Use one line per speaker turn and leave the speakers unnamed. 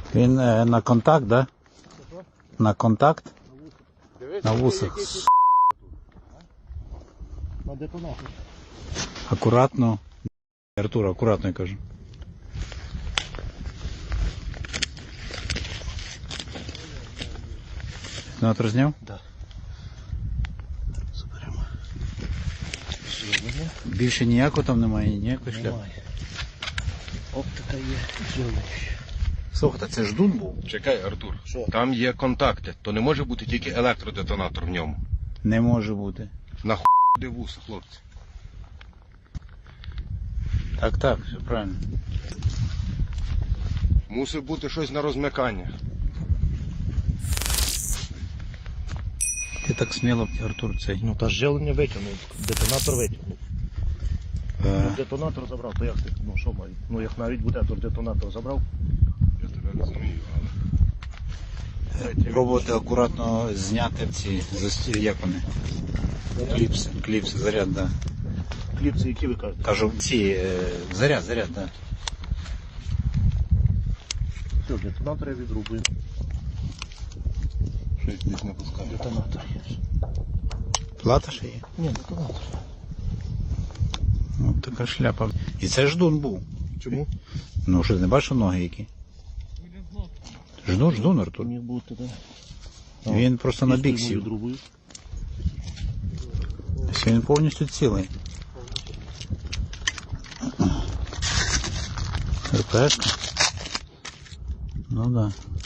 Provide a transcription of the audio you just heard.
Він на контакт, да? На контакт? На вусах.
На детонатор.
Акуратно. Артур, акуратно, я кажу. Детонатор зняв?
Да. Заберемо. Живлення.
Більше ніякого там немає, ніякої шляпи.
Немає. Оптика є, живлення.
Слухайте, це ж дун був?
Чекай, Артур.
Що?
Там є контакти, то не може бути тільки електродетонатор в ньому.
Не може бути.
Де вуса, хлопці.
Так, все правильно.
Мусить бути щось на розмикання.
Ти так сміло, Артур, цей.
Ну та живлення витягнув, детонатор витягнув. Детонатор забрав, то як ти? Ну що маю? Ну як навіть буде, то детонатор забрав.
Я тебе розумію, але...
Пробувати акуратно зняти ці застілі, як вони? Кліпси, заряд, да.
Кліпси, які ви кажете?
Кажу, ці, заряд, да.
Все, детонатор я відрубую.
Щось десь не пускає.
Детонатор є.
Плата ще є?
Ні, детонатор.
Ось така шляпа. І це ж дун був.
Чому?
Ну, що, не бачив ноги які? Ждун, Артур.
Міг бути, так.
Він просто на бік сів.
Відрубую.
Він повністю цілий. РПшка? Ну да.